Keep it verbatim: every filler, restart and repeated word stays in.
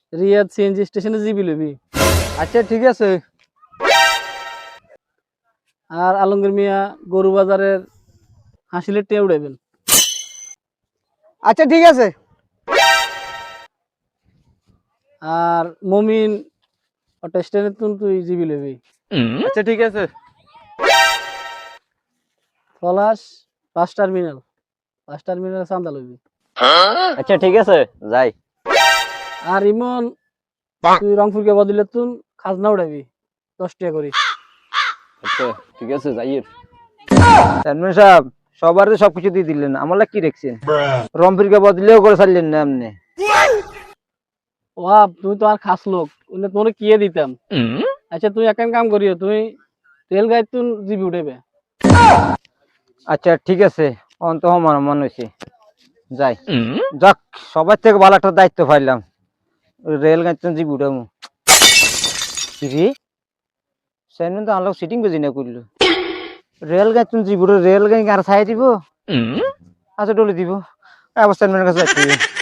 Riyad CNG স্টেশনে জিবি লবি। আচ্ছা ঠিক আছে। আর আলমগীর মিয়া গরু বাজারের হাসিলের টিয়া উড়াইবেন। আচ্ছা ঠিক আছে। আর মমিন ওটা স্টেশনে তুই জিবি লবি। আচ্ছা ঠিক আছে। Palash bus terminal bus terminal চান্দা লবি। আচ্ছা ঠিক আছে যাই। আর ইমন তুই রংপুরকে বদলে তুই খাজনা উড়াবি দশ টাকা করি। আচ্ছা ঠিক আছে যাই। চেয়ারম্যান সাহেব সবার সবকিছু দিয়ে দিলেন, আমার কি রেখছেন? রংপুরকে বদলেও করে ছাড়লেন না আপনি। ওয়াব তুই তো আর খাস লোক তোর কিয়ে দিতাম। আচ্ছা তুই এক কাম করিও তুই তেল গাই তুই জিবি উঠাবে। আচ্ছা ঠিক আছে, অন্ত আমার মন হয়েছে যাই। যাক সবার থেকে ভালো একটা দায়িত্ব পাইলাম, রেল গাড়ি জিবি উঠামু। রে চেয়ারম্যান তো আনলোক সিটিং বুঝি না করলো, রেল গাড়ি তুমি জিবি রেল গাড়ি আর ছাই দিব। আচ্ছা ডলে দিব, আবার চেয়ারম্যানের কাছে